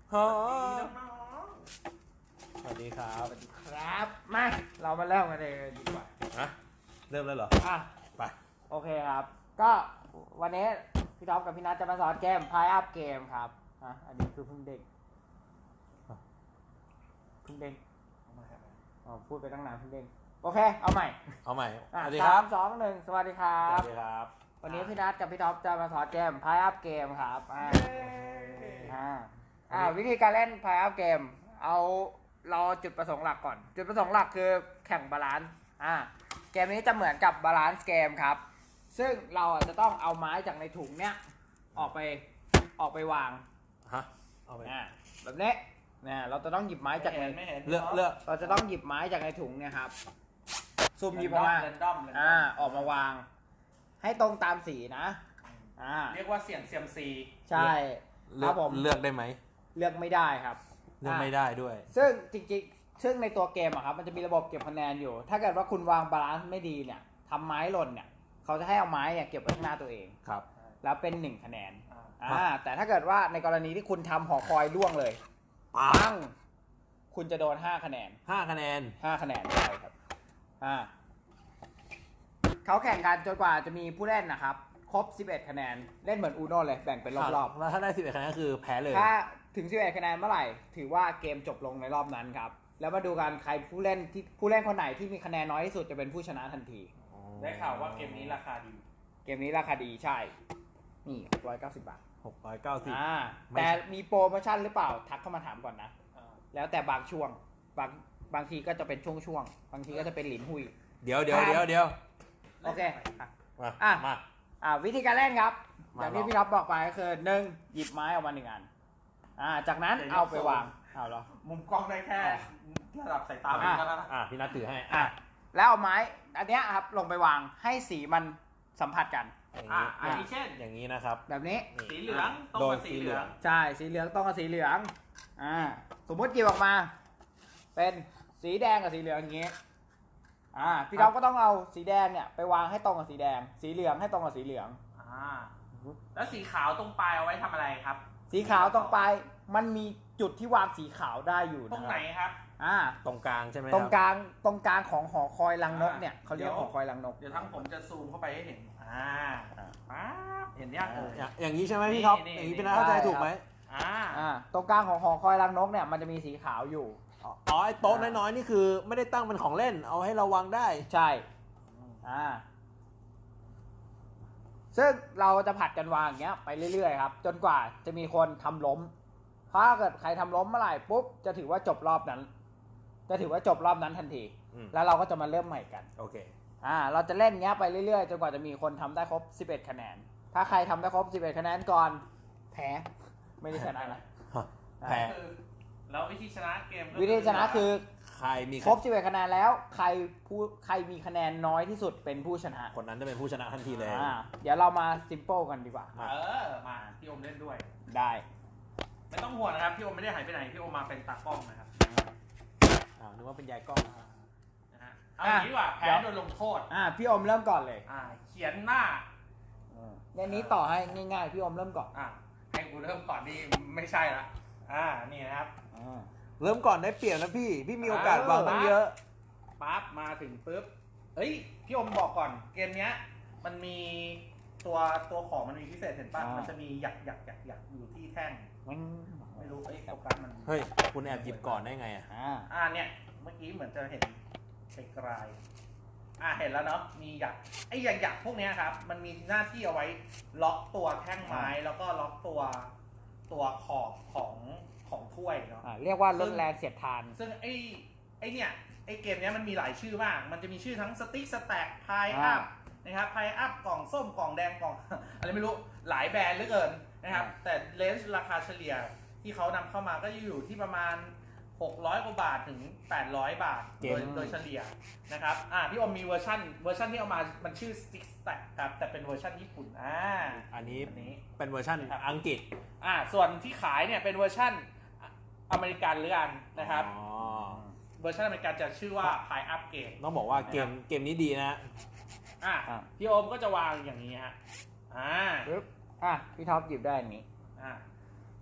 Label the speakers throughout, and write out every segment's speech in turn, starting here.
Speaker 1: ฮะ
Speaker 2: น้อง
Speaker 1: สวัสดีครับ
Speaker 2: ครับมาเรามาเริ่มกันเลยดีกว่า
Speaker 1: ฮะเริ่มแล้วเหรอ
Speaker 2: อ่ะ
Speaker 1: ไป
Speaker 2: โอเคครับ ก็วันนี้พี่ท็อปกับพี่นัทจะมาสอนเกม Pile Up Game ครับอันนี้คือเพิ่งเด้งอ๋อพูดไปตั้งนานเพิ่งเด้งโอเคเอาใหม่
Speaker 1: เอาใหม่
Speaker 2: อ่ะ
Speaker 1: สวัสดีครับ
Speaker 2: 3 2 1 สวัสดีครั
Speaker 1: ส
Speaker 2: บ
Speaker 1: วัสดีครับ
Speaker 2: วันนี้พี่นัทกับพี่ท็อปจะมาสอนเกม Pile Up Game ครับวิธีการเล่น Pile Up Game เอาเราจุดประสงค์หลักก่อน จุดประสงค์หลักคือแข่งบาลานซ์เกมนี้จะเหมือนกับบาลานซ์เกมครับ ซึ่งเราจะต้องเอาไม้จากในถุงเนี้ยออกไปวาง
Speaker 1: ฮะเอาไป
Speaker 2: แบบนี้เราจะต้องหยิบไม้จากใน
Speaker 3: ไม่เห็น
Speaker 1: เลือก
Speaker 2: เราจะต้องหยิบไม้จากในถุงเนี่ยครับซุ่มหยิบออกมา
Speaker 3: เรนดอม
Speaker 2: ออกมาวาง ให้ตรงตามสีนะ
Speaker 3: เรียกว่าเสี่ยงเซียมซี
Speaker 2: ใช่ค
Speaker 1: เลือก
Speaker 2: รับผม
Speaker 1: เลือกได้ไหม
Speaker 2: เลือกไม่ได้ครับ
Speaker 1: เลือกไม่ได้ด้วย
Speaker 2: ซึ่งจริงๆซึ่งในตัวเกมอะครับมันจะมีระบบเก็บคะแนนอยู่ ถ้าเกิดว่าคุณวางบาลานซ์ไม่ดีเนี่ยทำไม้หล่นเนี่ยเขาจะให้เอาไม้เนี่ยเก็บไว้ข้างหน้าตัวเอง
Speaker 1: ครับ
Speaker 2: แล้วเป็น1คะแนนแต่ถ้าเกิดว่าในกรณีที่คุณทำหอคอยล่วงเลยปังคุณจะโดน5คะแนน
Speaker 1: 5 คะแนน
Speaker 2: 5 คะแนนใช่ครับเขาแข่งกันจนกว่าจะมีผู้เล่นนะครับ ครบ 11 คะแนน เล่นเหมือนอูโน่เลยแบ่งเป็นรอบ
Speaker 1: แล้วถ้าได้11 คะแนนก็คือแพ้เลย
Speaker 2: ๆถ้าถึง 11 คะแนนเมื่อไหร่ ถือว่าเกมจบลงในรอบนั้นครับ แล้วมาดูกันใครผู้เล่นคนไหนที่มีคะแนนน้อยที่สุดจะเป็นผู้ชนะทันที
Speaker 3: ได้ข่าวว่าเกมนี้ราคาดี
Speaker 2: เกมนี้ราคาดีใช่ นี่690 บาท
Speaker 1: 690
Speaker 2: แต่มีโปรโมชั่นหรือเปล่าทักเข้ามาถามก่อนนะ แล้วแต่บางช่วงบางทีก็จะเป็นช่วงบางทีก็จะเป็นหลินหุย
Speaker 1: เดี๋ยว
Speaker 2: โอเค
Speaker 1: มา
Speaker 2: วิธีการเล่นครับอ
Speaker 1: มา
Speaker 2: ย่างที่พี่ท็อปบอกไปก็คือ1หยิบไม้ออกมา1อันจากนั้นเอาไปวางเอาเหรอ
Speaker 3: มุมกล้องได้แค่ระดับสายตา
Speaker 1: พี่นัทถือให้
Speaker 2: แล้วเอาไม้อันเนี้ยครับลงไปวางให้สีมันสัมผัสกัน
Speaker 3: อันนี้เช่น
Speaker 1: อย่างนี้นะครับ
Speaker 2: แบบนี้
Speaker 3: สีเหลืองตรงกับสีเหลือง
Speaker 2: ใช่สีเหลืองต้องกับสีเหลืองสมมติหยิบออกมา เป็นสีแดงกับสีเหลืองอย่างงี้พี่ท็อปก็ต้องเอาสีแดงเนี่ยไปวางให้ตรงกับสีแดง สีเหลืองให้ตรงกับสีเหลือง
Speaker 3: แล้วสีขาวตรงปลายเอาไว้ทำอะไรครับ
Speaker 2: สีขาวตรงปลายมันมีจุดที่วางสีขาวได้อยู่
Speaker 3: ตรงไหนครับ
Speaker 1: ตรงกลางใช่ไหม
Speaker 2: ตรงกลางของหอคอยรังนกเนี่ยเขาเรียกหอคอยรังนก
Speaker 3: เดี๋ยวทั้งผมจะซูมเข้าไปให้เห็นเห็นยัง
Speaker 1: อย่างนี้ใช่ไหมพี่ท็อป
Speaker 3: นี่
Speaker 1: อย่างนี้พี่นัทเข้าใจถูกไหม
Speaker 2: ตรงกลางของหอคอยรังนกเนี่ยมันจะมีสีขาวอยู่
Speaker 1: อ๋อไอ้โต๊ะน้อยๆนี่คือไม่ได้ตั้งเป็นของเล่นเอาให้เราวางได้
Speaker 2: ใช่ซึ่งเราจะผัดกันวางอย่างเงี้ยไปเรื่อยๆครับจนกว่าจะมีคนทำล้มถ้าเกิดใครทำล้มเมื่อไหร่ปุ๊บจะถือว่าจบรอบนั้น ทันที แล้วเราก็จะมาเริ่มใหม่กัน
Speaker 1: โอเค
Speaker 2: เราจะเล่นเงี้ยไปเรื่อยๆจนกว่าจะมีคนทำได้ครบ11คะแนนถ้าใครทำได้ครบ11คะแนนก่อนแพ้ไม่ได้ชนะนะ
Speaker 1: แพ้
Speaker 3: แล้ววิธีชนะเกม
Speaker 2: วิธีชนะคือ
Speaker 1: ใครมี
Speaker 2: ครบ11คะแนนแล้วใครมีคะแนนน้อยที่สุดเป็นผู้ชนะ
Speaker 1: คนนั้นจะเป็นผู้ชนะทันทีเลย
Speaker 2: เดี๋ยวเรามาซิมเปิลกันดีกว่า
Speaker 3: มาพี่อมเล่นด้วย
Speaker 2: ได้
Speaker 3: ไม่ต้องห่วงนะครับพี่อมไม่ได้หายไปไหนพี่อมมาเป็นตากล้องนะครับ
Speaker 1: นึกว่าเป็นยายกล้อง
Speaker 3: นะฮะเอาอย่างนี้ดีกว่าแพ้โดนลงโทษ
Speaker 2: พี่อมเริ่มก่อนเลย
Speaker 3: เขียนหน้า
Speaker 2: ในนี้ต่อให้ง่ายๆพี่อมเริ่มก่อน
Speaker 3: ให้กูเริ่มก่อนนี่ไม่ใช่ละนี่นะครับ
Speaker 1: เริ่มก่อนได้เปรียบนะพี่มีโอกาสวางตั้งเยอะ
Speaker 3: ปั๊บมาถึงปุ๊บพี่อมบอกก่อนเกมเนี้ยมันมีตัวของมันมีพิเศษเห็นป่ะมันจะมีหยักอยู่ที่แท่งไม่รู้โฟกัสมัน
Speaker 1: เฮ้ยคุณแอบหยิบก่อนได้ไง
Speaker 3: เนี่ยเมื่อกี้เหมือนจะเห็นไกลๆเห็นแล้วเนาะมีหยักพวกเนี้ยครับมันมีหน้าที่เอาไว้ล็อกตัวแท่งไม้แล้วก็ล็อกตัวขอบของถ้วยเนาะ
Speaker 2: เรียกว่าลดแรงเสียดทาน
Speaker 3: ซึ่งไอ้เกมเนี้ยมันมีหลายชื่อมากมันจะมีชื่อทั้งสติ๊กสแต็กพายอัพนะครับพายอัพกล่องส้มกล่องแดงกล่อง อะไรไม่รู้หลายแบรนด์เหลือเกินนะครับแต่เลนส์ราคาเฉลี่ยที่เขานำเข้ามาก็อยู่ที่ประมาณ600 กว่าบาทถึง800 บาทโดยเฉลี่ยนะครับพี่อมมีเวอร์ชันที่เอามามันชื่อ Stick Stack ครับแต่เป็นเวอร์ชันญี่ปุ่น
Speaker 1: อันนี้เป็นเวอร์ชันอังกฤษ
Speaker 3: ส่วนที่ขายเนี่ยเป็นเวอร์ชันอเมริกันหรือกันนะครับเวอร์ชันอเมริกันจะชื่อว่า Pile Up Game
Speaker 1: ต้องบอกว่าเกมนี้ดีนะ
Speaker 3: พี่โอมก็จะวางอย่างนี้ฮะ
Speaker 2: พี่ท็อปหยิบได้อันนี้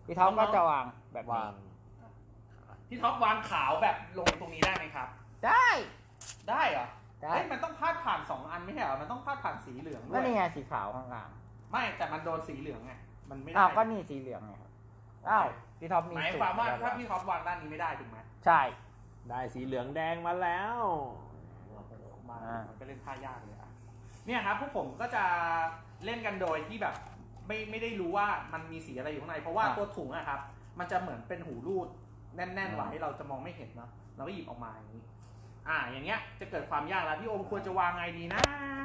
Speaker 2: พี่ท็อปก็จะวางแบบนี้
Speaker 1: วาง
Speaker 3: พี่ท็อปวางขาวแบบลงตรงนี้ได้ไหมครับ
Speaker 2: ได้
Speaker 3: ได้เหรอ
Speaker 2: ได้
Speaker 3: เฮ้ยมันต้องพาดผ่าน2 อันไม่ใช่เหรอมันต้องพาดผ่านสีเหลืองด้
Speaker 2: ก็
Speaker 3: วย
Speaker 2: นี่ไงสีขาวข้างล่าง
Speaker 3: ไม่แต่มันโดนสีเหลืองไงมันไม่ได้
Speaker 2: อ้าวก็นี่สีเหลืองไงครับอ้าวพี่ท็อปมี
Speaker 3: หมาย
Speaker 2: สูต
Speaker 3: ความว่า
Speaker 2: แล้ว
Speaker 3: ถ้าพี่ท็อปวางด้านนี้ไม่ได้ถูกไหม
Speaker 2: ใช่
Speaker 1: ได้สีเหลืองแดงมาแล้ว
Speaker 3: มามันก็เล่นท่ายากเลยอ่ะเนี่ยครับพวกผมก็จะเล่นกันโดยที่แบบไม่ได้รู้ว่ามันมีสีอะไรอยู่ข้างในเพราะว่าตัวถุงอะครับมันจะเหมือนเป็นหูรูดแน่นๆไว้เราจะมองไม่เห็นเนาะเราก็หยิบออกมาอย่างนี้อย่างเงี้ยจะเกิดความยากแล้วพี่โอมควรจะวางไงดีนะ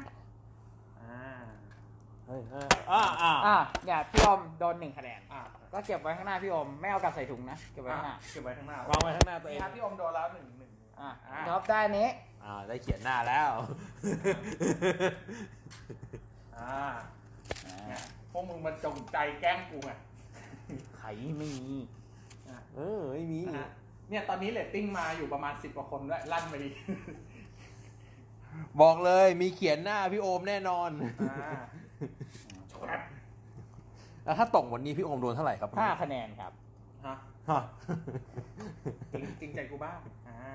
Speaker 1: เฮ้ย
Speaker 2: เนี่ยพี่อมโดน1 คะแนน ก็เก็บไว้ข้างหน้าพี่อมไม่เอากลับใส่ถุงนะเก็บไว้ข้างหน้า
Speaker 3: เก็บไว้ข้างหน้าว
Speaker 1: างไว้ข้างหน้าตัวเอง
Speaker 3: นี่ครับพี่โอมโดนแล้วหนึ่ง
Speaker 2: พี่ท็อปได้อันนี้
Speaker 1: ได้เขียนหน้าแล้ว
Speaker 3: เนี่ยพวกมึงมันจงใจแกล้งกูไง
Speaker 2: ไข่ไม่มี
Speaker 1: ไม่มี
Speaker 3: เนี่ยตอนนี้เรตติ้งมาอยู่ประมาณ10 กว่าคนด้วยลั่นไปดี
Speaker 1: บอกเลยมีเขียนหน้าพี่โอมแน่นอน แล้วถ้าตกวันนี้พี่โอมโดนเท่าไหร่ครับ
Speaker 2: 5 คะแนนครับ
Speaker 3: ฮะ
Speaker 1: ฮะ
Speaker 3: จริงใจกูบ้าง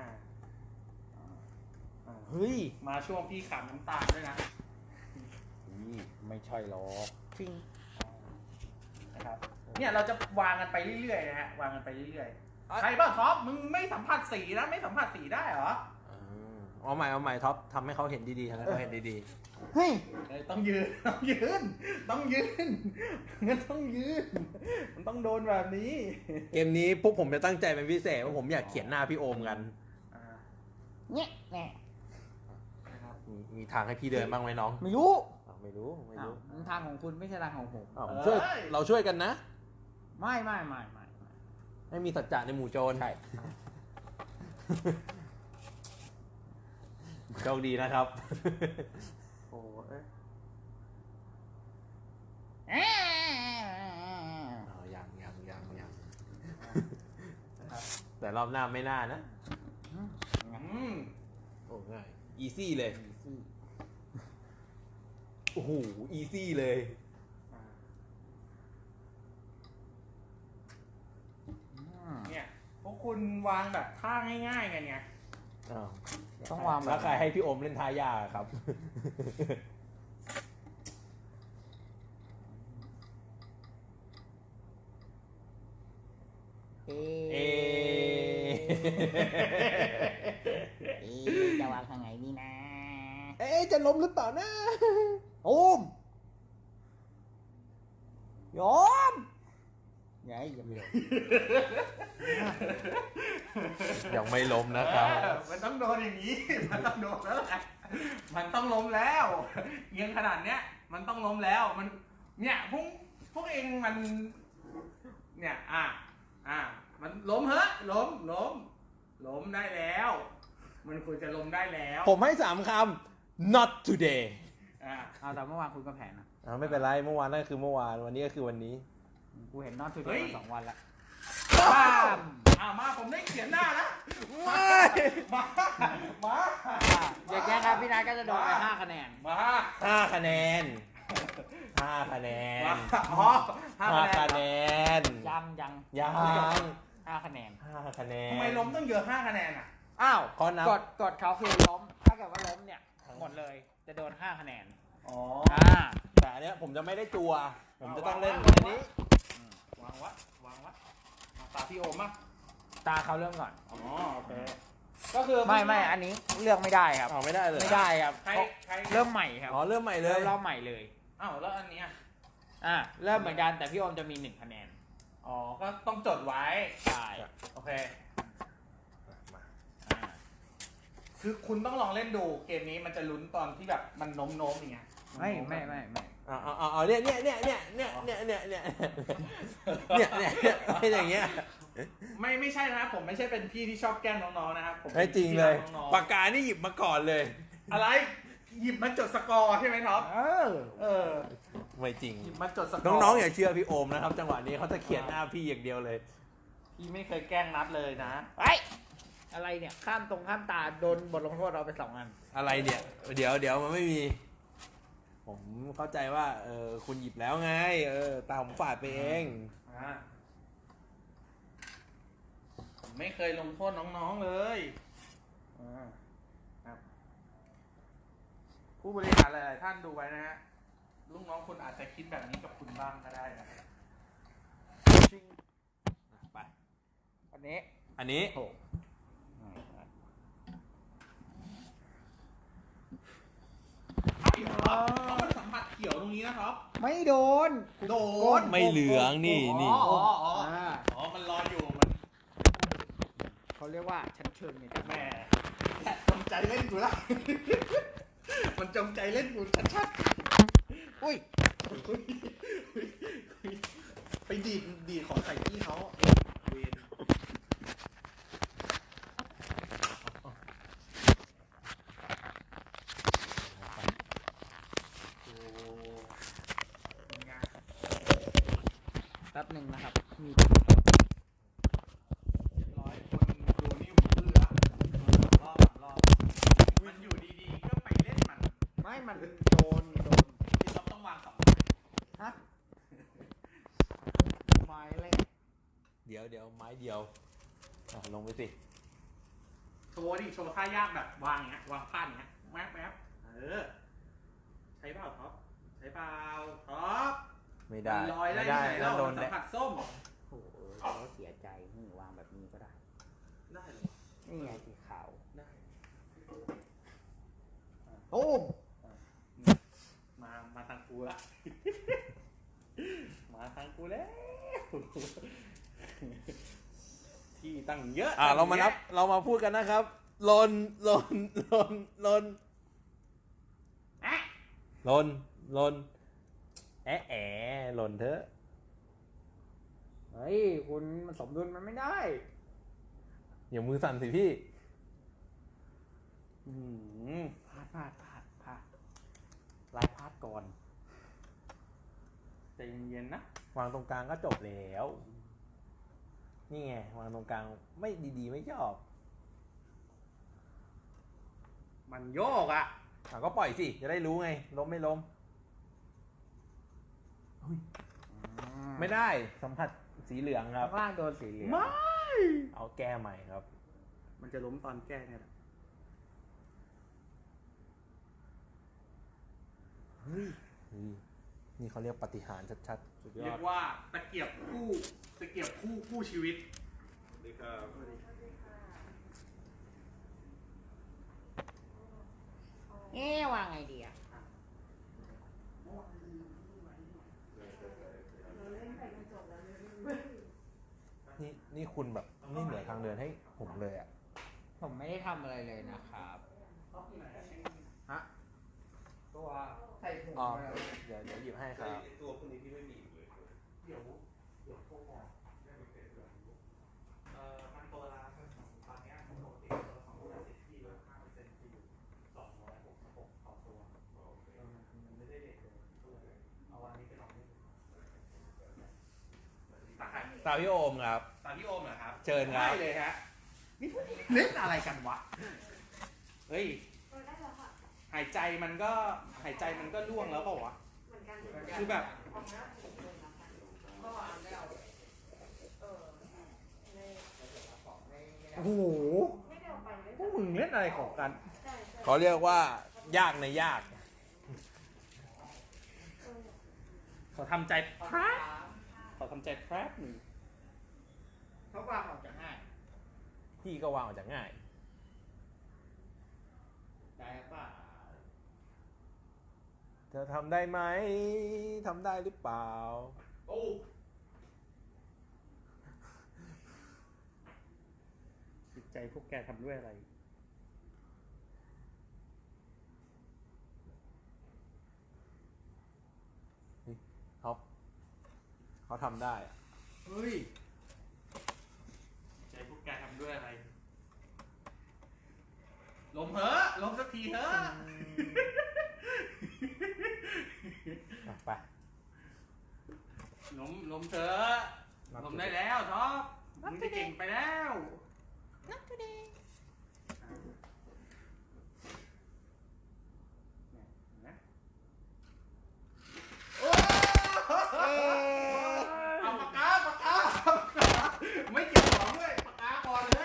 Speaker 2: เฮ้ย
Speaker 3: มาช่วงพี่ขำน้ำตาลด้วยนะ
Speaker 2: ไม่ใช่หรอกจริง
Speaker 3: นะครับเนี่ยเราจะวางกันไปเรื่อยๆนะฮะวางกันไปเรื่อยๆใครบ้างท็อปมึงไม่สัมผัสสีนะไม่สัมผัสสีได้เหรอ
Speaker 1: เอาใหม่ท็อปทำให้เขาเห็นดีๆทำให้เขาเห็นดี
Speaker 2: เฮ้ย
Speaker 3: ต้องยืนต้องยืนต้องยืนงั้นต้องยืนมันต้องโดนแบบนี้
Speaker 1: ๆเกมนี้พวกผมจะตั้งใจเป็นพิเศษว่าผมอยากเขียนหน้าพี่โอมกัน
Speaker 2: เนี่ยแน่
Speaker 1: มีทางให้พี่เดินบ้างไหมน้อง
Speaker 2: ไม่รู้
Speaker 1: ไม่รู้
Speaker 2: มันทางของคุณไม่ใช่ทางของผม
Speaker 1: เราช่วยกันนะ
Speaker 2: ไม่
Speaker 1: ให้มีสัจจะในหมู่โจร
Speaker 2: ใช่
Speaker 1: โชคดีนะครับ
Speaker 3: โอ้ย
Speaker 1: ยังแต่รอบหน้าไม่น่านะ โอ้ง่าย อีซี่เลย โอ้โห อีซี่เลย
Speaker 3: เนี่ยพวกคุณวางแบบท่าง่ายๆกันไง
Speaker 2: ต้องวางแบ
Speaker 1: แล้
Speaker 2: บ
Speaker 1: วใครให้พี่โอมเล่นทายาครับ
Speaker 2: จะวางทางไหนนี่นะ
Speaker 1: จะล้มหรือเปล่านะ
Speaker 2: โอมยอมอย่าให้อย่า
Speaker 1: ยังไม่ล้มนะครับ
Speaker 3: มันต้องโดนอย่างนี้ มันต้องโดนแล้วแหละมันต้องล้มแล้วเอียงขนาดเนี้ยมันต้องล้มแล้วมันเนี่ยพวกเองมันเนี่ยมันล้มเหรอล้มได้แล้ว มันควรจะล้มได้แล้ว
Speaker 1: ผมให้3 คำ not today
Speaker 2: เอาแต่เมื่อวานคุณก็แผนนะ
Speaker 1: ไม่เป็นไร เมื่อวานนั่นคือเมื่อวาน วันนี้ก็คือวันนี้
Speaker 2: กูเห็นนอนทูเดย์มา2 วันแล้ว
Speaker 3: มาผมได้เขียนหน้านะมา
Speaker 2: อย่างแกครับพี่นัทก็จะโดนไป5 คะแนน
Speaker 1: 5 คะแนน 5 คะแนน 5 คะแนน
Speaker 2: ยัง 5 คะแนน
Speaker 1: 5 คะแนน
Speaker 3: ทำไมล้มต้องเยอะ5 คะแนนอ่ะ
Speaker 2: อ้าว
Speaker 1: ข้อนับ
Speaker 2: กดเขาคือล้ม ถ้าเกิดว่าล้มเนี่ยหมดเลยจะโดน5 คะแนน
Speaker 1: แต่อันเนี้ยผมจะไม่ได้ตัว ผมจะต้องเล่นอันนี้
Speaker 3: วางวัดตาพี่โอมมั้ง
Speaker 2: ตาเขาเริ่มก่อน
Speaker 3: โอเคก็คือ
Speaker 2: ไม่อันนี้เลือกไม่ได้ครับ
Speaker 1: ไม่ได้เลย
Speaker 2: ไม่ได้ครับ
Speaker 3: ใคร
Speaker 2: เริ่มใหม่ครับ
Speaker 1: เริ่มใหม่เลย
Speaker 2: เริ่มใหม่เลย
Speaker 3: แล้วอันเนี้ย
Speaker 2: เริ่มเหมือนกันแต่พี่โอมจะมี1 คะแนน
Speaker 3: ก็ต้องจดไว้
Speaker 2: ใช่
Speaker 3: โอเคคือคุณต้องลองเล่นดูเกมนี้มันจะลุ้นตอนที่แบบมันโน้มอย่างเงี้ย
Speaker 2: ไม่
Speaker 1: เนี่ยอย่างเงี้ย
Speaker 3: ไม่ใช่นะผมไม่ใช่เป็นพี่ที่ชอบแกล้งน้องๆนะครับผม
Speaker 1: ไม่จริงเลย
Speaker 3: น้องๆ
Speaker 1: ปากกานี่หยิบมาก่อนเลย
Speaker 3: อะไรหยิบมาจดสกอร์ใช่ไหมท็อป
Speaker 1: ไม่จริง
Speaker 3: หยิบมาจดสกอร์
Speaker 1: น้องๆอย่าเชื่อพี่โอมนะครับ จังหวะนี้เขาจะเขียนหน้าพี่อย่างเดียวเลย
Speaker 3: พี่ไม่เคยแกล้งนัดเลยนะ
Speaker 2: อะไรเนี่ยข้ามตาโดนบทลงโทษเราไป2 อัน
Speaker 1: อะไรเนี่ย เดี๋ยวมันไม่มี ผมเข้าใจว่าคุณหยิบแล้วไงตาผมฝาดไปเอง
Speaker 3: ไม่เคยลงโทษน้องๆเลยครับผู้บริหารหลายๆท่านดูไว้นะฮะลูกน้องคุณอาจจะคิดแบบนี้กับคุณบ้างก็ได้นะ
Speaker 1: ไป
Speaker 2: อันนี้
Speaker 1: อันนี้
Speaker 2: โอ้
Speaker 3: เขียวครับเขามันสัมผัสเขียวตรงนี้นะครับ
Speaker 2: ไม่โดน
Speaker 3: โดน
Speaker 1: ไม่เหลืองนี่
Speaker 3: อ๋
Speaker 1: นี่
Speaker 3: ออ๋ออ๋อ
Speaker 2: อ่า
Speaker 3: อ๋อมันลอยอยู่มัน
Speaker 2: เขาเรียกว่าชั้นเชิงเนี่ย
Speaker 3: แหมจงใจเล่นกูละ มันจงใจเล่นกูชัดๆอุ้ยไปดีดของใส่พี่เขาเวรโอ้เป็นไง
Speaker 2: แป๊บหนึ่งนะครับ มี
Speaker 3: เรียบร้อยคนดูนี่หูอื้อละรอบมันอยู่ดีๆก็ไปเล่นมัน
Speaker 2: ไม่มันโดน
Speaker 3: พี่ต๊อบต้องวางสอง
Speaker 2: ฮะไม้เลย
Speaker 1: เดี๋ยวไม้เดียวลงไปสิ
Speaker 3: โชว์ดิโชว์ท่ายากแบบวางอย่างเงี้ยวางพลาดอย่างเงี้ยแวบใช้เปล่าท็อปใช้เปล่าท็อป
Speaker 1: ไม่ได้
Speaker 3: มันลอยได้
Speaker 1: ไม่
Speaker 3: ที่
Speaker 1: ได้
Speaker 3: ไหน
Speaker 1: แล้
Speaker 3: เรา
Speaker 1: วโดน
Speaker 3: สัมผัสส้ม
Speaker 2: โอ้โหเขาเสียใจวางแบบนี้ก็ได้
Speaker 3: ได้เลย
Speaker 2: นี่ไงสีขาว
Speaker 3: ได้
Speaker 2: โอ้ม
Speaker 3: มาทางกูละ มาทางกูแล้ว ที่ตั้งเยอะ
Speaker 1: เรามานับเรามาพูดกันนะครับลนลนลนลนลนลนหล่นเถอะ
Speaker 2: เฮ้ยคุณมันสมดุลมันไม่ได้
Speaker 1: อย่ามือสั่นสิพี่
Speaker 2: พลาดลายพลาดก่อน
Speaker 3: ใจเย็นๆนะ
Speaker 1: วางตรงกลางก็จบแล้ว นี่ไงวางตรงกลางไม่ดีๆไม่ชอบ
Speaker 3: มันโยกอ่ะ
Speaker 1: ก็ปล่อยสิจะได้รู้ไงล้มไม่ล้มไม่ได้สัมผัสสีเหลืองครับ
Speaker 2: ข้างล่างโดนสีเหลือง
Speaker 3: ไม่
Speaker 1: เอาแก้ใหม่ครับ
Speaker 3: มันจะล้มตอนแก้เนี่ยแหละ
Speaker 1: เฮ้ยนี่เขาเรียกปาฏิหาริย์ชัดๆสุดย
Speaker 3: เรี
Speaker 1: อย ด
Speaker 3: กว่าตะเกียบคู่ชีวิต
Speaker 2: วางไงดีอ่ะ
Speaker 1: นี่คุณแบบไม่เหลือทางเดินให้ผมเลยอ่ะ
Speaker 2: ผมไม่ได้ทำอะไรเลยนะครับฮะตัวใส่ถุง
Speaker 1: อ๋อ
Speaker 2: มาแล้ว
Speaker 1: เดี๋ยวหยิบให้ครับ
Speaker 4: ตัวพวกนี้พี่ไม่มีอีกเลย
Speaker 3: เดี๋ยวโทรบอกมันตัวละตอนนี้ปกติตัวละ210ที่ลด5%ที่อยู่266ต่อตัวมันไม่ได้เด็กเลยเอาวันนี้ไปลองเล่นตาใคร
Speaker 1: ตาพี่โอมครับ
Speaker 3: ตาพี่โอมเหรอครับ
Speaker 1: เชิญครับ
Speaker 3: ได้เลยฮะนี่พวกนี้เล่นอะไรกันวะเฮ้ยหายใจมันก็ล่วงแล้วเปล่าวะคือแบบ
Speaker 2: โอ้โห
Speaker 3: พวกมึงเล่นอะไรของกัน
Speaker 1: เขาเรียกว่ายากในยาก
Speaker 3: ขอทำใจแป๊บขอทำใจแป๊บหนึ่ง
Speaker 2: เขาวางออกจากง่าย
Speaker 1: พี่ก็วางออกจากง่าย
Speaker 2: ได้ป่ะ
Speaker 1: เธอทำได้ไหมทำได้หรือเปล่า
Speaker 3: โอ้จิตใจพวกแกทำด้วยอะไร
Speaker 1: เขาทำได้อะ
Speaker 3: เฮ้ยใจพวกแกทำด้วยอะไร ลมเหอะลมสักทีเถอะ
Speaker 1: ไป
Speaker 3: ลมเถอะลมได้แล้วท็อปมึงจะเก่งไปแล้วเอาปากกาไม่เก็บของด้วยปากกาก่อนเลย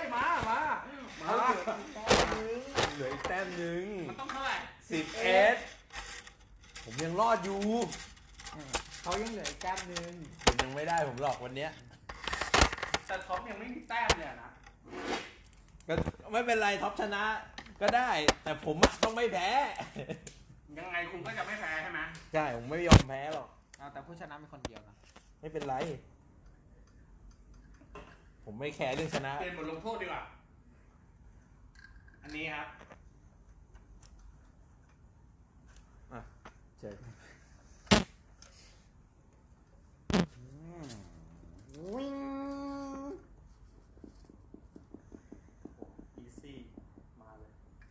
Speaker 3: มา
Speaker 1: เหลืออีกแต้มหนึ่ง
Speaker 3: มันต้องเท่าไหร่
Speaker 1: 11ผมยังรอดอยู่
Speaker 2: เขายังเหลืออีกแต้มนึง
Speaker 1: ผมยังไม่ได้ผมหลอกวันเนี้ย
Speaker 3: แต่ท็อปยังไม่มีแต้มเลยนะ
Speaker 1: ก็ไม่เป็นไรท็อปชนะก็ได้ แต่ผมอะต้องไม่แพ้
Speaker 3: ยังไงคุณก็จะไม่แพ้ใช่ไหม
Speaker 1: ใช่ผมไม่ยอมแพ้หรอก
Speaker 2: เอาแต่ผู้ชนะมีคนเดียวนะ
Speaker 1: ไม่เป็นไร ผมไม่แคร์เรื่องชนะ
Speaker 3: เปลี่ยนบทลงโทษดีกว่า อันนี้ครับ
Speaker 1: เชิญ
Speaker 2: วิ่ง
Speaker 3: อีซี่มาเลย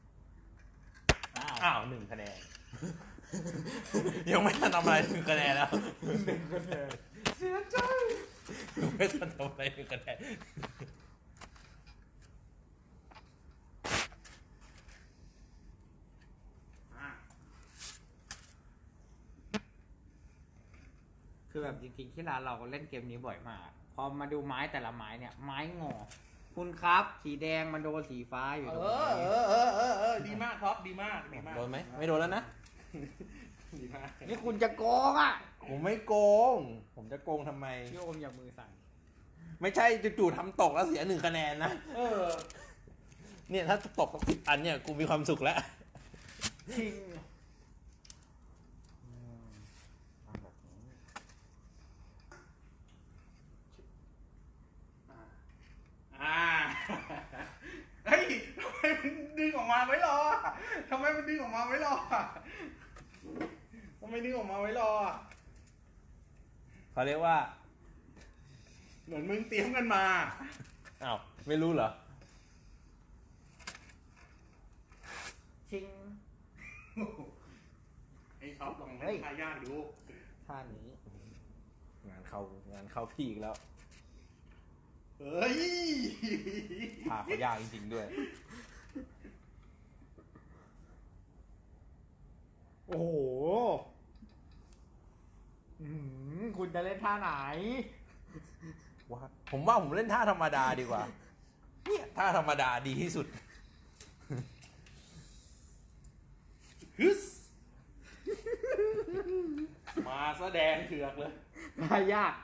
Speaker 1: อ้าว1 คะแนน ยังไม่ทันทำอะไร1 คะแนนแล้ว
Speaker 2: 1 คะแนน
Speaker 3: เสียใจ
Speaker 1: ยังไม่ทันทำอะไร1 คะแนน
Speaker 3: อ่ะ
Speaker 2: คือแบบจริงๆที่ร้านเราเล่นเกมนี้บ่อยมาก พอมาดูไม้แต่ละไม้เนี่ย ไม้งอ คุณครับ สีแดงมันโดนสีฟ้าอยู่ตรงนี้
Speaker 3: ดีมากท็อปดีมากดีมาก
Speaker 1: โดนไหมไม่โดนแล้วนะ
Speaker 3: ดีมาก
Speaker 2: นี่คุณจะโกงอ่ะ
Speaker 1: ผมไม่โกง ผมจะโกงทำไม
Speaker 2: พี่โอมอย่ามือสั่น
Speaker 1: ไม่ใช่จู่ๆทำตกแล้วเสีย1 คะแนนนะ
Speaker 3: เออ
Speaker 1: เนี่ยถ้าตกสัก10 อันเนี่ยกูมีความสุขแล้ว
Speaker 2: ชิงทำแบบนี้
Speaker 3: อ่า เฮ้ยทำไมมันดึงออกมาไว้รอทำไมมันดึงออกมาไว้รอทำไมดึงออกมาไว้รอ
Speaker 1: เขาเรียกว่า
Speaker 3: เหมือนมึงเตรียมกันมา
Speaker 1: อ้าวไม่รู้เหรอ
Speaker 2: ชิง
Speaker 3: ไอ้ท็อปลอง
Speaker 2: เฮ้
Speaker 3: ให้
Speaker 2: ย
Speaker 3: ทายากดู
Speaker 2: ท่านี้
Speaker 1: งานเข้าพี่อีกแล้ว
Speaker 3: เฮ้ย
Speaker 1: พาเขายากจริงๆด้วย
Speaker 2: โอ้โหคุณจะเล่นท่าไหน
Speaker 1: ผมว่าผมเล่นท่าธรรมดาดีกว่า เนี่ยท่าธรรมดาดีที่สุด
Speaker 3: ฮึสมาแสดงเถือกเลย
Speaker 2: ท่ายาก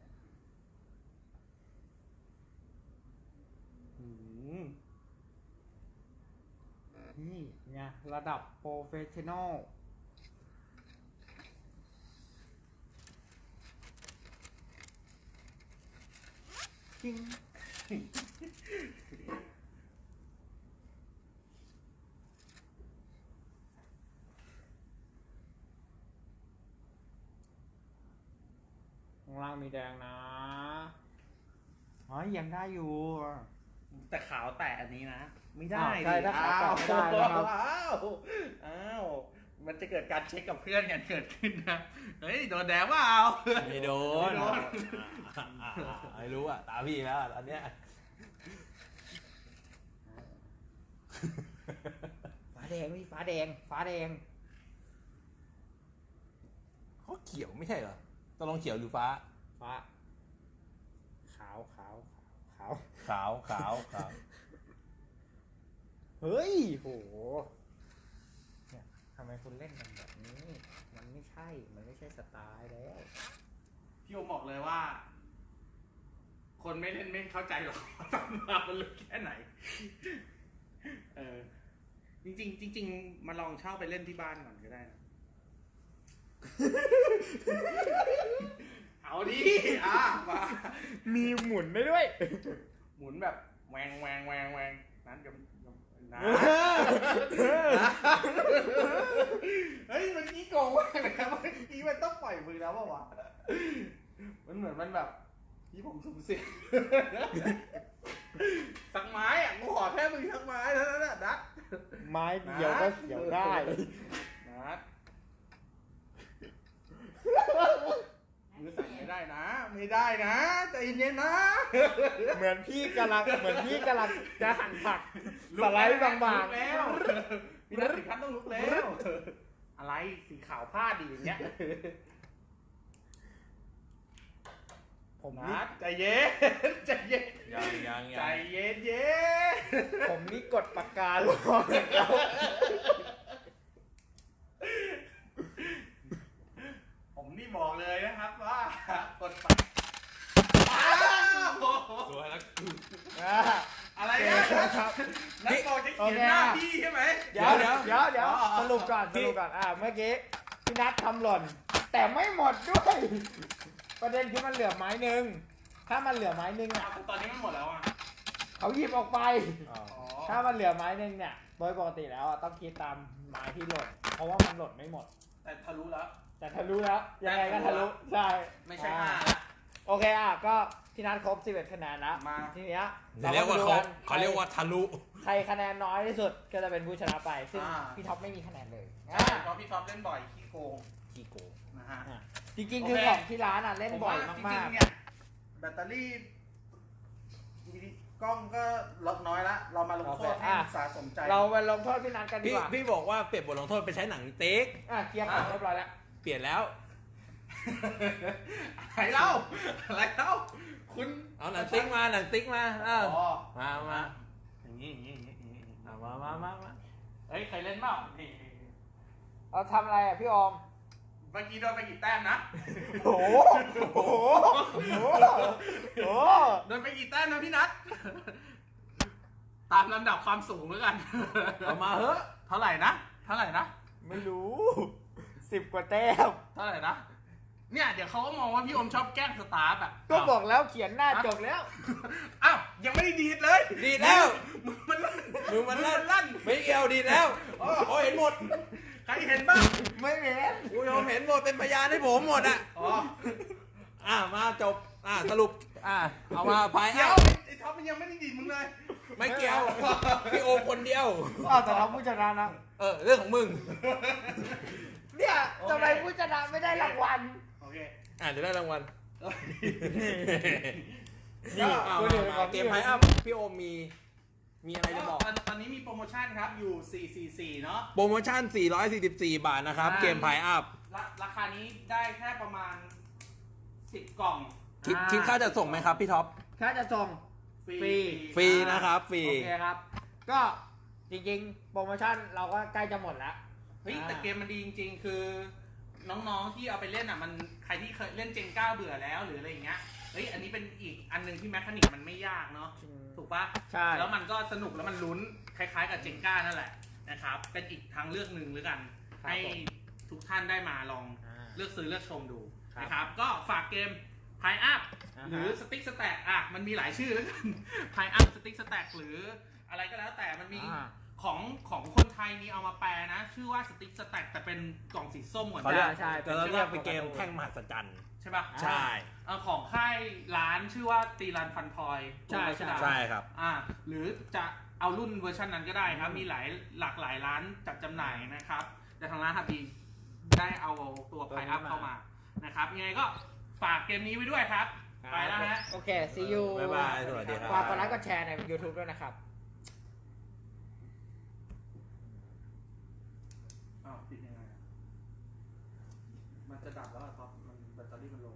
Speaker 2: นี่ไงระดับโปรเฟชชั่นอลจริงข้างล่างมีแดงนะอ๋อยังได้อยู่
Speaker 3: แต่ขาวแตะอันนี้นะ ไม่ได้
Speaker 2: ใช่ถ้าขาวแตะไม่ได้นะครับ
Speaker 3: อ้าว มันจะเกิดการเช็คกับเพื่อนกันเกิดขึ้นนะ เฮ้ย โดนแดงว่าเอา
Speaker 1: ไม่โดน
Speaker 3: ไม่โดน
Speaker 1: ไม่รู้อ่ะ ตาพี่แล้วตอนเนี้ย
Speaker 2: ฟ้าแดงพี่ฟ้าแดงฟ้าแดง
Speaker 1: เขาเขียวไม่ใช่เหรอต้องลองเขียวหรือฟ้า
Speaker 2: ฟ้าขาวขาวขาว
Speaker 1: ขาวขาวขาว
Speaker 2: เฮ้ยโหเนี่ยทำไมคุณเล่นกันแบบนี้ มันไม่ใช่ มันไม่ใช่สไตล์แล้ว
Speaker 3: พี่โอมบอกเลยว่า คนไม่เล่นไม่เข้าใจหรอกว่าตำรามันลึกแค่ไหน เออ จริงๆจริงๆมาลองเช่าไปเล่นที่บ้านก่อนก็ได้นะ เอาดิมา
Speaker 2: มีหมุนได้ด้วย
Speaker 3: หมุนแบบแหวงแหวงแหวงแหวงนั้นเดี๋ยวนะเฮ้ยมันกี้โกงมากเลยครับเมื่อกี้มันต้องปล่อยมือแล้วป่าวะมันเหมือนมันแบบที่ผมสุ่มเสี่ยงสักไม้อ่ะกูขอแค่มือสักไม้เท่านั้นแหละนัด
Speaker 2: ไม้เดียวก็เสียวได้
Speaker 3: นัดมือสั่นไม่ได้นะ ไม่ได้นะใจเย็นๆนะ
Speaker 2: เหมือนพี่กำลังจะหั่นผักสไลด์บาง
Speaker 3: ลุกแล้วพี่นัทถึงขั้นต้องลุกแล้ว อะไรสีขาวพลาดดีอย่างเงี้ย
Speaker 2: ๆผมนี่
Speaker 3: นัดใจเย็นใจเย็น
Speaker 1: ยัง
Speaker 3: ใจเย็นเย็น
Speaker 2: ผมนี่กดปากกาลงแล้ว
Speaker 3: ผมนี่บอกเลยนะครับว่ากดไป
Speaker 1: สวยแล้ว
Speaker 3: อะไร
Speaker 2: โอ
Speaker 3: นะ
Speaker 2: เคครับ
Speaker 3: นักบอกจะเขียนหน้าพี่ใช่ไหม
Speaker 2: เดี๋ยว
Speaker 3: อ๋อ
Speaker 2: สรุปก่อนเมื่อกี้พี่นัททำหล่น แต่ไม่หมดด้วย ประเด็นคือมันเหลือไม้หนึ่งถ้ามันเหลือไม้หนึ่งอ่ะ
Speaker 3: ตอนนี้มันหมดแล้วอ่ะ
Speaker 2: เขาหยิบออกไป
Speaker 1: อ๋อ
Speaker 3: อ๋อ
Speaker 2: ถ้ามันเหลือไม้หนึ่งเนี่ยโดยปกติแล้วอะต้องคิดตามไม้ที่หล่นเพราะว่ามันหล่นไม่หมด
Speaker 3: แต่ทะลุแล้ว
Speaker 2: แต่ทะลุแล้วยังไงก็ทะลุใช่
Speaker 3: ไม่ใช่
Speaker 2: อ่า
Speaker 3: 5ละ
Speaker 2: โอเคก็พี่นัทครบ11คะแนนแล้ว
Speaker 3: มา
Speaker 2: ทีเนี้ย
Speaker 1: เรียกว่าเขาเรียกว่าทะลุ
Speaker 2: ใครคะแนนน้อยที่สุดก็จะเป็นผู้ชนะไป ซึ่ง
Speaker 3: อ่า
Speaker 2: พี่ท็อปไม่มีคะแนนเลย
Speaker 3: ใช่เพราะพี่ท็อปเล่นบ่อยขี้โกง
Speaker 1: ขี้โกง
Speaker 3: นะฮะ
Speaker 2: จริงๆ
Speaker 3: โอเค
Speaker 2: คือของที่ร้านเล่นบ่อย
Speaker 3: ผมว่
Speaker 2: มาก
Speaker 3: จริงๆเนี่ยแบตเตอรี่กล้องก็ลดน้อยละเรามาลงโทษให้สะสมใจ
Speaker 2: ๆ เราไปลงโทษพี่นัทกันดี
Speaker 1: พี่
Speaker 2: กว่า
Speaker 1: พี่บอกว่าเปลี่ยนบทลงโทษไปใช้หนังเต็ก
Speaker 2: เคลียร์ของเรียบร้อยแล้ว
Speaker 1: เปลี่ยนแล้ว
Speaker 3: อะไรเล่าอะไรเล่าคุณ
Speaker 1: เอาหนังติ๊กมาหนังติ๊กมาอ้าว
Speaker 3: อ๋อ
Speaker 1: มา
Speaker 3: อย่างนี้อย่างนี้อย่างนี้อย่างนี้
Speaker 1: เอามา
Speaker 3: เฮ้ยใครเล่นเปล่านี่
Speaker 2: เราทำอะไรพี่ออม
Speaker 3: เมื่อกี้โดนไปกี่แต้มนะ
Speaker 2: โอ้โหโอ้
Speaker 3: โดนไปกี่แต้มนะพี่นัทตามลำดับความสูงแล้วกัน
Speaker 1: เอามาเฮ้อะ
Speaker 3: เท่าไหร่นะเท่าไหร่นะ
Speaker 2: ไม่รู้10 กว่าแต้ม
Speaker 3: เท่าไหร่นะเนี่ยเดี๋ยวเขาก็มองว่าพี่อมชอบแกล้งสตาร์ฟอ่ะ
Speaker 2: ก็บอกแล้วเขียนหน้าจบแล้ว
Speaker 3: อ้าวยังไม่ได้ดีดเลย
Speaker 1: ดีดแล้ว
Speaker 3: มึงมันลั่น
Speaker 1: มือมันลั่น
Speaker 3: ลั่น
Speaker 1: ไม่เกี่ยวดีดแล้วโอ้เห็นหมด
Speaker 3: ใครเห็นบ้าง
Speaker 2: ไม่เห็น
Speaker 1: ผู้ชมเห็นหมดเป็นพยานให้ผมหมดอ่ะ
Speaker 3: อ๋อ
Speaker 1: มาจบสรุปเอามาพาย
Speaker 3: เดี๋ย
Speaker 1: เอา
Speaker 3: วไอ้ท็อปมันยังไม่ได้ดีดมึงเลย
Speaker 1: ไม่เกี่ยวพี่โอมคนเดียว
Speaker 2: แต่เราผู้ชนะนะ
Speaker 1: เรื่องของมึง
Speaker 2: เนี่ยทำไมผู้ชนะไม่ได้รางวัล
Speaker 3: โอเค
Speaker 1: เดี๋ยวได้รางวัล
Speaker 2: นี่
Speaker 1: เอา
Speaker 2: คุณเห็นของ
Speaker 1: เกมไพอัพพี่โอมมีอะไรจะบอก
Speaker 3: ตอนนี้มีโปรโมชั่นครับอยู่ 444 เนาะ
Speaker 1: โปรโมชั่น 444 บาทนะครับ เกมไพอัพ
Speaker 3: ราคานี้ได้แค่ประมาณ 10 กล่อง
Speaker 1: คิดค่าจะส่งไหมครับพี่ท็อป
Speaker 2: ถ้าจะส่ง
Speaker 3: ฟรี
Speaker 2: ฟรี
Speaker 1: ฟรีนะครับฟรี
Speaker 2: โอเคครับ ก็จริงๆ โปรโมชั่นเราก็ใกล้จะหมดแล้ว
Speaker 3: เฮ้ยแต่เกมมันดีจริงๆ คือน้องๆที่เอาไปเล่นอ่ะมันใครที่เคยเล่นเจงก้าเบื่อแล้วหรืออะไรอย่างเงี้ยเฮ้ยอันนี้เป็นอีกอันหนึงที่แมคานิกมันไม่ยากเนาะถูกปะ
Speaker 2: ใช่
Speaker 3: แล้วมันก็สนุกแล้วมันลุ้นคล้ายๆกับเจงก้านั่นแหละนะครับเป็นอีกทางเลือกหนึ่งหรือกัน ให้ทุกท่านได้มาลองเลือกซื้อเลือกชมดูนะครับก็ฝากเกม Pie Up หรือ Stick Stack มันมีหลายชื่อแล้วกัน Pie Up Stick Stack หรืออะไรก็แล้วแต่มันมีของคนไทยมีเอามาแปลนะ ชื่อว่า Stick Stack แต่เป็นกล่องสีส้มเหมือน
Speaker 1: เขา
Speaker 3: กั
Speaker 1: เรียก
Speaker 3: น
Speaker 2: ใช่
Speaker 1: จะเรียกเป็นเกมแท่งมหัศจรรย์
Speaker 3: ใช่ปะ
Speaker 1: ใช่
Speaker 3: ของค่ายร้านชื่อว่าตีรันฟันทอย
Speaker 2: ใช่ใช่
Speaker 1: ใช่ครับ
Speaker 3: หรือจะเอารุ่นเวอร์ชันนั้นก็ได้ครับ มีหลากหลายร้านจัดจำหน่ายนะครับ แต่ทางร้านฮับบีได้เอาตัวไพอัพเข้ามานะครับยังไงก็ฝากเกมนี้ไว้ด้วยครับ ไปแล้วฮะ
Speaker 2: โอเค see you
Speaker 1: บ๊ายบายสวัสดีครับ
Speaker 2: ฝากกดไลค์กดแชร์ใน YouTube ด้วยนะครับ
Speaker 3: อ้าวปิดยังไงมันจะดับแล้วครับมันแบตเตอรี่มันโล